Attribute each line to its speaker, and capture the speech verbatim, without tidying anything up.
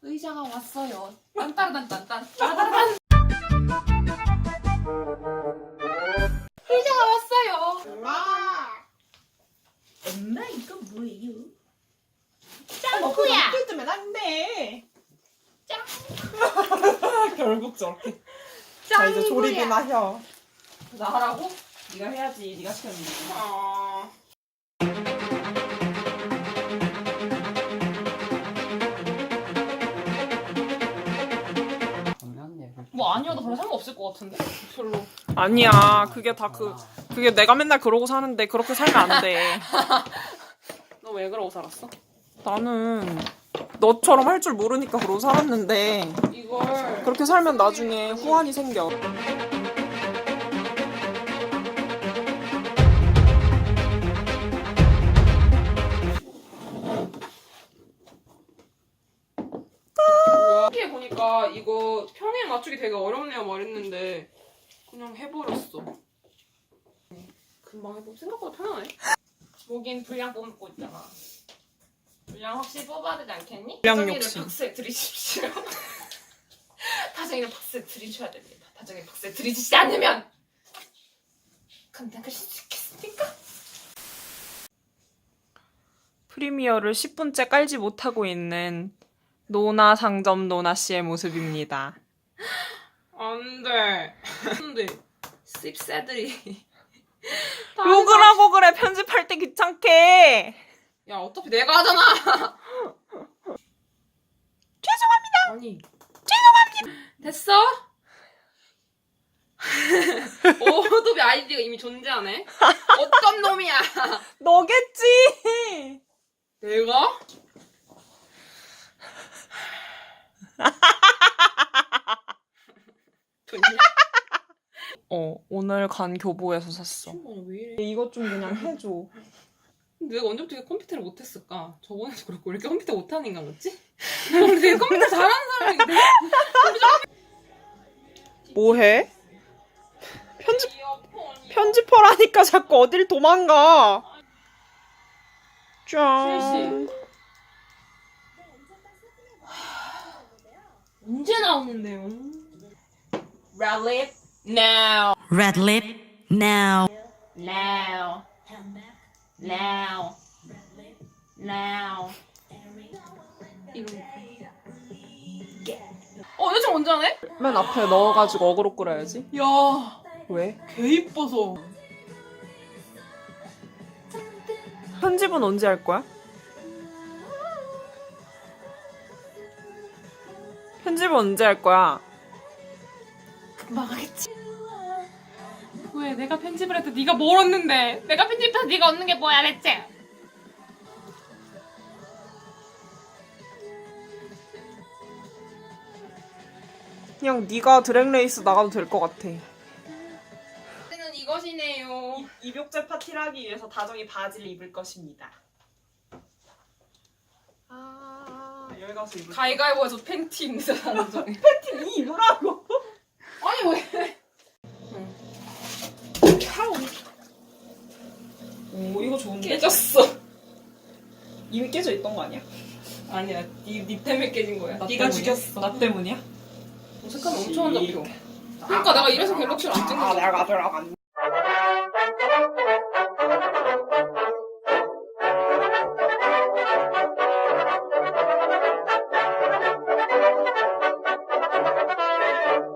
Speaker 1: 의자가 왔어요. 딴따라단딴딴 따라단. 의자가 왔어요.
Speaker 2: 엄마 이거 뭐예요?
Speaker 1: 짱구야.
Speaker 2: 뜯으면 안 돼.
Speaker 1: 짱.
Speaker 2: 결국 저렇게. 자 이제 조립이나 해.
Speaker 1: 나 하라고?
Speaker 2: 네가 해야지. 네가 시켰는데.
Speaker 1: 아. 뭐 아니어도 별로 상관없을 것 같은데? 별로.
Speaker 2: 아니야. 그게 다 그 그게 내가 맨날 그러고 사는데 그렇게 살면 안 돼.
Speaker 1: 너 왜 그러고 살았어?
Speaker 2: 나는 너처럼 할 줄 모르니까 그러고 살았는데
Speaker 1: 이걸
Speaker 2: 그렇게 살면 나중에 후환이 생겨.
Speaker 1: 여기에 보니까 이거 평행 맞추기 되게 어렵네요 말했는데 그냥 해버렸어. 금방 해보고 생각보다 편하네. 여긴 분량 뽑고 있잖아. 분량 혹시 뽑아야 되지 않겠니?
Speaker 2: 분량
Speaker 1: 다정이를
Speaker 2: 욕심.
Speaker 1: 박스에 들이십시오. 다정이를 박스에 들이셔야 됩니다. 다정이 박스에 들이시지 않으면 감당하실 수 있겠습니까?
Speaker 2: 프리미어를 십 분째 깔지 못하고 있는 노나 상점 노나 씨의 모습입니다.
Speaker 1: 안돼. 근데 씹새들이
Speaker 2: 욕을 하고 그래. 편집할 때 귀찮게.
Speaker 1: 야 어차피 내가 하잖아.
Speaker 2: 죄송합니다.
Speaker 1: 아니
Speaker 2: 죄송합니다.
Speaker 1: 됐어? 오도비 아이디가 이미 존재하네. 어떤 놈이야?
Speaker 2: 너겠지.
Speaker 1: 내가?
Speaker 2: 어 오늘 간 교보에서 샀어.
Speaker 1: 왜 이래?
Speaker 2: 이것 좀 그냥 해줘.
Speaker 1: 내가 언제부터 컴퓨터를 못했을까? 저번에도 그렇고 왜 이렇게 컴퓨터 못하는 인간같지? 근데 되게 컴퓨터 잘하는 사람인데.
Speaker 2: 뭐해? 편집 편집하라니까 자꾸 어딜 도망가. 짠.
Speaker 1: 언제 나오는데요? Red lip now.
Speaker 3: Red lip now.
Speaker 1: Now. Now. Now. 이런 거. 어, 여자 언제 하네?
Speaker 2: 맨 앞에 넣어가지고 어그로 끌어야지.
Speaker 1: 야,
Speaker 2: 왜?
Speaker 1: 개 이뻐서.
Speaker 2: 편집은 언제 할 거야? 편집은 언제 할 거야?
Speaker 1: 금방 하겠지. 왜 내가 편집을 해도 네가 뭘 얻는데? 내가 편집해서 네가 얻는 게 뭐야 대체?
Speaker 2: 그냥 네가 드랙레이스 나가도 될 것 같아.
Speaker 1: 저는 이것이네요.
Speaker 2: 입욕제 파티를 하기 위해서 다정이 바지를 입을 것입니다. 아 여기 가서 입을.
Speaker 1: 가위가위보에서 팬티 입는 사람 중.
Speaker 2: 팬티 니 입으라고.
Speaker 1: 아니 왜?
Speaker 2: 오 이거 좋은데?
Speaker 1: 깨졌어.
Speaker 2: 이미 깨져 있던 거 아니야?
Speaker 1: 아니야, 네, 네 때문에 깨진 거야.
Speaker 2: 나
Speaker 1: 네가
Speaker 2: 때문이야?
Speaker 1: 죽였어.
Speaker 2: 나 때문이야?
Speaker 1: 색감 엄청 안 잡혀. 그러니까 내가 이래서 갤럭시를 안 찍는
Speaker 2: 아
Speaker 1: 거야.
Speaker 2: 내가 들어간.